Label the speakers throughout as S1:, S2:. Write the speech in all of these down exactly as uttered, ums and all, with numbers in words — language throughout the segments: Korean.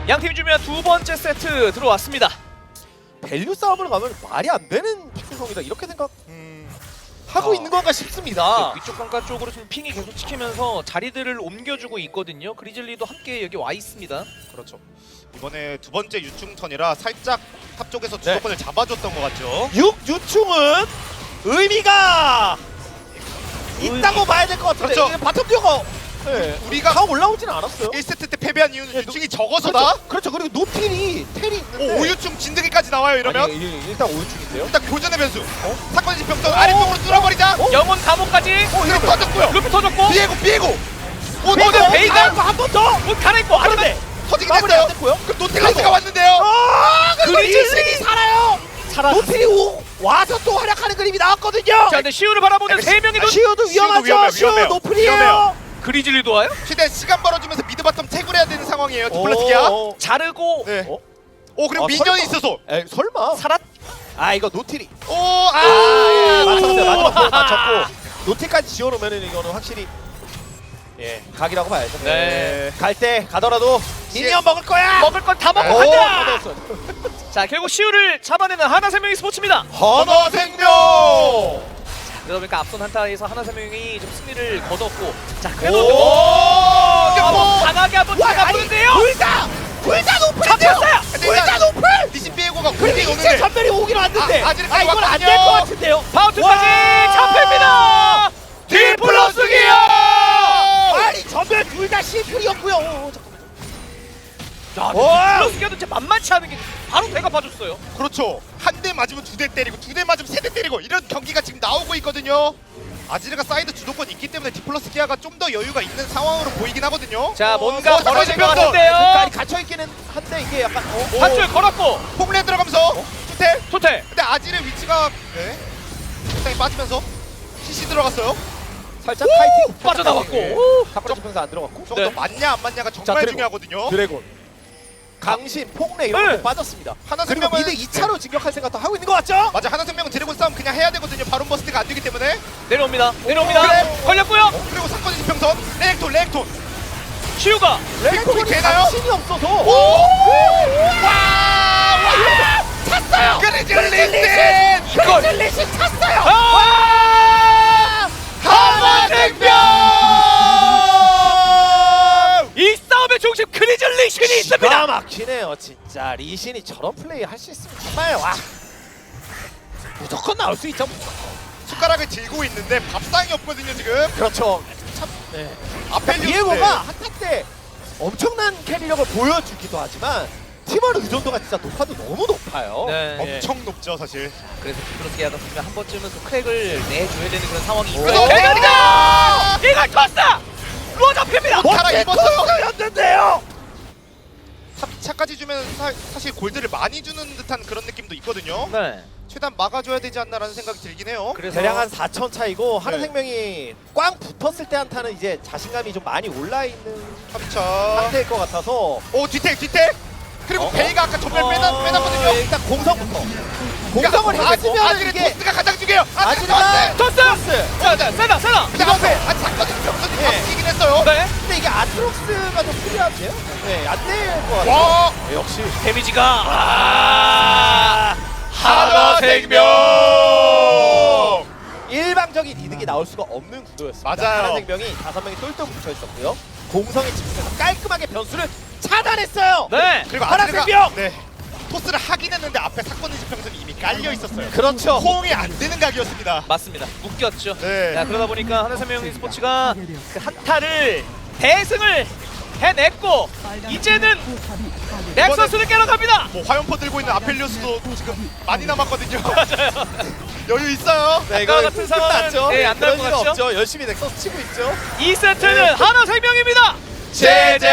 S1: 양팀이 주면 두 번째 세트 들어왔습니다.
S2: 밸류 싸움을 가면 말이 안 되는 박준성이다 이렇게 생각
S3: 음,
S2: 하고
S1: 어.
S2: 있는 건가 싶습니다.
S1: 네, 위쪽 강가 쪽으로 지금 핑이 계속 찍히면서 자리들을 옮겨주고 있거든요. 그리즐리도 함께 여기 와 있습니다.
S3: 그렇죠. 이번에 두 번째 유충턴이라 살짝 탑 쪽에서
S2: 네.
S3: 주도권을 잡아줬던 것 같죠.
S2: 육 유충은 의미가 있다고 봐야 될 것 같은데
S3: 그렇죠.
S2: 이게 바텀 듀오가 네.
S3: 우리가
S2: 다 올라오진 않았어요.
S3: 일 세트 때 패배한 이유는
S2: 네,
S3: 유충이 적어서다.
S2: 그렇죠. 그렇죠. 그리고 노틸이 텔이 있는데
S3: 오, 오유충 진드기까지 나와요 이러면.
S2: 아니, 일- 일단 오유충인데요.
S3: 일단 교전의 변수. 사건의 지평선 아래쪽으로 뚫어버리자.
S2: 어?
S1: 영혼 감옥까지
S3: 그리고 터졌고요.
S1: 루피 터졌고
S3: 비에고 비에고. 오,
S1: 베이가,
S3: 터져.
S1: 베이가!
S2: 한번 더.
S1: 옷 갈아입고 하는데
S3: 터지긴
S2: 마무리
S3: 했어요.
S2: 안 됐고요.
S3: 그럼 노틸러스가 왔는데요.
S2: 아, 그리고
S1: 그리즐리!
S2: 리신이 살아요. 노틸이 오, 와서 또 활약하는 그림이 나왔거든요.
S1: 자 근데 시우를 바라보는 세 명이 눈
S2: 시우도 위험하죠.
S3: 위험해요,
S2: 시우
S3: 위험해요.
S2: 노플이에요.
S3: 위험해요.
S1: 그리즐리도 와요?
S3: 최대한 시간 벌어주면서 미드 바텀 태굴 해야 되는 상황이에요. 디플러스기야.
S2: 오, 오.
S1: 자르고
S3: 네.
S2: 어?
S3: 오 그리고
S2: 아,
S3: 미니언이
S2: 설마.
S3: 있어서.
S2: 에이, 설마.
S1: 살았
S2: 아 이거 노틸이.
S3: 오
S2: 아,
S3: 아.
S2: 예, 맞췄어요. 마지막 볼 맞췄고 노틸까지 지어놓으면은 이거는 확실히 예 각이라고 봐야죠.
S1: 네.
S2: 갈 때 가더라도 미니언 먹을 거야.
S1: 먹을 건 다 먹고
S2: 오,
S1: 간다.
S2: 받았어요.
S1: 자 결국 시우를 잡아내는 하나생명이 스포츠입니다.
S2: 헌어 생명.
S1: 그러다 보니까 앞선 한타에서 하나생명이 좀 승리를 거뒀고 자
S2: 오.
S1: 그래도 뭐
S3: 오.
S1: 강하게 한번 잡아보는데요.
S2: 둘다 둘다 노플.
S1: 잡혔어요.
S2: 둘다 노플.
S3: 리신 비에고가
S2: 그리고
S3: 굴이
S2: 이제
S3: 오는데.
S2: 전멸이 오긴 왔는데
S3: 아,
S2: 아,
S3: 아직까지
S2: 이건 안 될
S3: 왔거든요.
S2: 것 같은데요.
S1: 바우트까지
S2: 와.
S1: 잡힙니다. 디플러스기요.
S2: 아니 전멸 둘 다 실풀이었고요. 오, 잠깐만.
S1: 야,
S2: 와.
S1: 디플러스기가 진짜 만만치 않은 게 바로 배가 봐줬어요.
S3: 그렇죠. 한 대 맞으면 두 대 때리고 두 대 맞으면 세 대 때리고 이런 경기가 지금 나오고 있거든요. 아지르가 사이드 주도권 있기 때문에 디플러스 기아가 좀 더 여유가 있는 상황으로 보이긴 하거든요.
S1: 자 뭔가
S3: 어,
S1: 벌어질 것
S3: 잠깐만요.
S1: 같은데요.
S2: 갇혀 있기는 한데 이게 약간 어, 어.
S1: 한줄 걸었고
S3: 홈레 들어가면서 투텔.
S1: 토텔
S3: 근데 아지르 위치가 네. 상당히 빠지면서 씨씨 들어갔어요.
S2: 살짝 파이팅
S1: 빠져나왔고.
S2: 오, 탁구라 지평선 안 들어갔고.
S3: 저거
S1: 네.
S3: 맞냐 안 맞냐가
S2: 자,
S3: 정말
S2: 드래곤.
S3: 중요하거든요.
S2: 드래곤, 강신, 폭래 이런
S1: 네.
S2: 거 빠졌습니다.
S3: 하나
S2: 그리고
S3: 생명은
S2: 미드 이 차로 진격할 생각도 하고 있는 것 같죠?
S3: 맞아. 하나 생명은 드래곤 싸움 그냥 해야 되거든요. 바론 버스트가 안 되기 때문에.
S1: 내려옵니다. 내려옵니다.
S3: 그래.
S1: 걸렸고요.
S3: 그리고 사건의 지평선 레렉톤 레렉톤.
S1: 시우가
S3: 레이콘이 되나요?
S2: 강신이 없어서.
S3: 오! 와! 와!
S2: 찼어요.
S3: 그리즐리신!
S1: 이걸
S2: 그리즐리신 찼어요.
S1: 아!
S3: 하나생명!
S1: 이 싸움의 중심 그리즐리신이
S2: 기가
S1: 있습니다.
S2: 막히네요 진짜. 리신이 저런 플레이 할 수 있으면 정말 와 무조건 나올 수 있죠.
S3: 숟가락을 들고 있는데 밥상이 없거든요 지금.
S2: 그렇죠. 참 네.
S3: 아펠리우스.
S2: 디에고가 한타 때 엄청난 캐리력을 보여주기도 하지만 팀원 의존도가 진짜 높아도 너무 높아요.
S1: 네.
S3: 엄청 높죠 사실.
S1: 그래서 디플러스기아가 보면 한 번쯤은 또 크랙을 내줘야 되는 그런 상황이
S2: 오.
S1: 있거든요. 대가리다! 이걸 컸어! 루어 잡힙니다.
S3: 갈아 입었어요.
S2: 였는데요.
S3: 삼 차까지 주면 사, 사실 골드를 많이 주는 듯한 그런 느낌도 있거든요.
S1: 네.
S3: 최대한 막아줘야 되지 않나라는 생각이 들긴 해요.
S1: 그래서
S2: 대략 한 사천 차이고
S3: 네.
S2: 하나생명이 꽝 붙었을 때 한타는 이제 자신감이 좀 많이 올라있는
S3: 삼 차.
S2: 상태일 것 같아서
S3: 오 뒤택 뒤택. 그리고
S2: 어?
S3: 베이가 아까 전멸 빼놨,
S2: 어,
S3: 빼놨거든요.
S2: 일단 공성부터 공성을 해주면
S3: 아지르
S2: 이게
S3: 토스가 가장 중요해요. 아지르
S2: 아지르가
S3: 토스.
S1: 토스! 자, 자, 세다, 세다!
S3: 근데 앞에 아직 사건이 병선이
S2: 예.
S3: 바뀌긴 했어요.
S1: 네.
S2: 근데 이게 아트록스가 좀 필요한데요? 네, 안 될 것 같아요.
S3: 와
S2: 네, 역시
S1: 데미지가 아, 하나생명!
S2: 일방적인 이득이 나올 수가 없는 구도였습니다.
S3: 맞아요.
S2: 하나생명이 다섯 명이 똘똘 붙어 있었고요. 공성에 집중해서 깔끔하게 변수를 차단했어요.
S1: 네.
S3: 그리고
S2: 하나생명!
S3: 아지르가 네 토스를 하긴 했는데 앞에 사건의 지평선이 이미 깔려 있었어요.
S2: 그렇죠.
S3: 호응이 안 되는 각이었습니다.
S1: 맞습니다. 묶였죠.
S3: 네.
S1: 자, 그러다 보니까 하나생명 스포츠가 그 한타를 대승을 해냈고 이제는 넥서스를 깨러 갑니다.
S3: 뭐 화염포 들고 있는 아펠리오스도 지금 많이 남았거든요. 맞아요. 여유 있어요.
S2: 네,
S1: 아까 같은 상황은
S2: 끝났죠.
S1: 네, 안 나올
S2: 그런
S1: 것
S2: 일
S1: 같죠?
S2: 없죠. 열심히 넥서스 치고 있죠.
S1: 이 세트는 하나생명입니다.
S2: 제제!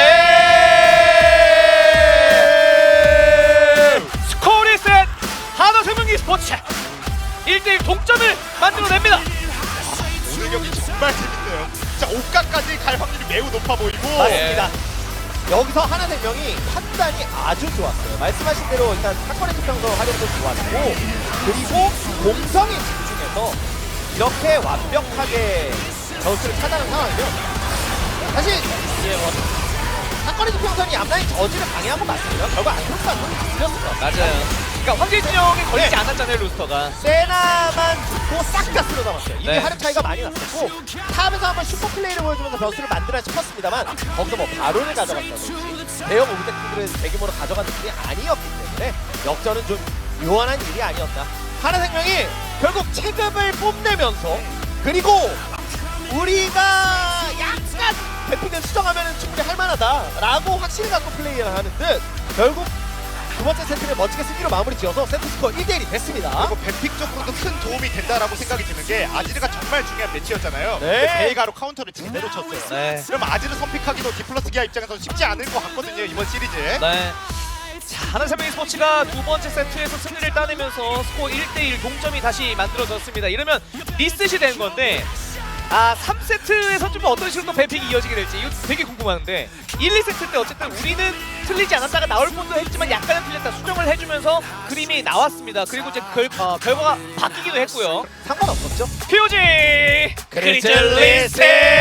S1: 스코어리셋 하나생명 스포츠 일 대 일 동점을 만들어냅니다.
S3: 오늘 경기 정말 재밌네요. 진짜 오가까지 갈 확률이 매우 높아 보이고.
S2: 맞습니다. 여기서 하나생명이 판단이 아주 좋았어요. 말씀하신 대로 일단 사건의 지평선 활용도 좋았고 그리고 공성에 집중해서 이렇게 완벽하게 전술을 차단한 상황이면 사실 예, 뭐 사건의 지평선이 앞라인 저지를 방해한 건 맞습니다. 결국 안토스가 좀 들렸어요.
S1: 맞아요. 그러니까 황제진영에 걸리지
S2: 네.
S1: 않았잖아요, 루스터가.
S2: 세나만 죽고 싹 다 쓸어 담았어요. 이미
S1: 네.
S2: 하름 차이가 많이 났었고 탑에서 한번 슈퍼 플레이를 보여주면서 변수를 만들어 싶었습니다만 거기서 뭐 바론을 가져갔다든지 대형 오브젝트들을 대규모로 가져간 느낌이 아니었기 때문에 역전은 좀 요원한 일이 아니었나. 하나생명이 결국 체급을 뽐내면서 그리고 우리가 약간 대피는 수정하면 충분히 할만하다라고 확신을 갖고 플레이를 하는 듯 결국 두 번째 세트를 멋지게 승리로 마무리 지어서 세트 스코어 일 대 일이 됐습니다.
S3: 그리고 뱀픽적으로도 큰 도움이 된다라고 생각이 드는 게 아지르가 정말 중요한 매치였잖아요.
S2: 네.
S3: 베이가로 카운터를 제대로 쳤어요.
S1: 네.
S3: 그럼 아지르 선픽하기도 디플러스 기아 입장에서 쉽지 않을 것 같거든요, 이번 시리즈.
S1: 네. 자, 하나생명의 스포츠가 두 번째 세트에서 승리를 따내면서 스코어 일 대 일 동점이 다시 만들어졌습니다. 이러면 리셋이 된 건데 아, 삼 세트에서 좀 어떤 식으로 또 뱀픽이 이어지게 될지 이거 되게 궁금한데 일, 이 세트 때 어쨌든 우리는 틀리지 않았다가 나올 뻔도 했지만 약간은 틀렸다 수정을 해주면서 그림이 나왔습니다. 그리고 이제 결, 어, 결과가 바뀌기도 했고요.
S2: 상관없었죠?
S1: 피오지
S2: 그리즐리스!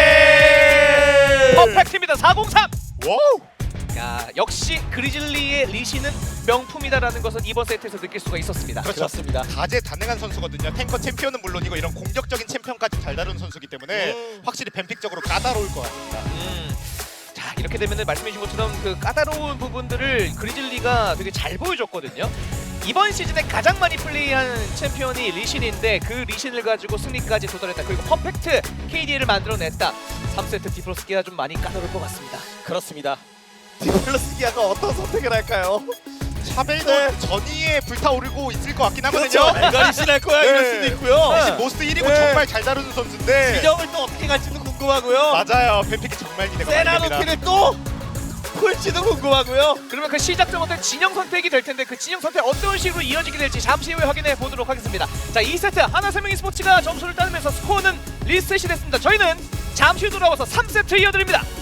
S1: 퍼펙트입니다. 사공삼.
S3: 와우!
S1: 야, 역시 그리즐리의 리시는 명품이다라는 것은 이번 세트에서 느낄 수가 있었습니다.
S3: 그렇죠.
S2: 그렇습니다.
S3: 다재다능한 선수거든요. 탱커 챔피언은 물론이고 이런 공격적인 챔피언까지 잘 다루는 선수기 때문에
S2: 음.
S3: 확실히 뱀픽적으로 까다로울 것 같습니다.
S1: 음. 자, 이렇게 되면은 말씀해주신 것처럼 그 까다로운 부분들을 그리즐리가 되게 잘 보여줬거든요. 이번 시즌에 가장 많이 플레이한 챔피언이 리신인데 그 리신을 가지고 승리까지 도달했다. 그리고 퍼펙트 케이디를 만들어냈다. 삼 세트 디플러스기가 좀 많이 까다로울 것 같습니다.
S2: 그렇습니다. 디플러스 기아가 어떤 선택을 할까요?
S3: 샤벨도
S2: 네.
S3: 전위에 불타오르고 있을 것 같긴 하거든요.
S2: 그렇죠. 내가 리신할 거야 이럴
S3: 네.
S2: 수도 있고요.
S3: 사실 모스트 일 위고
S2: 네.
S3: 정말 잘 다루는 선수인데
S2: 진영을 또 어떻게 갈지도 궁금하고요.
S3: 맞아요. 뱀픽이 정말 기대가 많이 됩니다.
S2: 세라노키를 또 풀지도 궁금하고요.
S1: 그러면 그 시작점부터 진영 선택이 될 텐데 그 진영 선택 어떤 식으로 이어지게 될지 잠시 후에 확인해 보도록 하겠습니다. 자, 이 세트 하나생명 스포츠가 점수를 따내면서 스코어는 리셋이 됐습니다. 저희는 잠시 후 돌아와서 삼 세트 이어드립니다.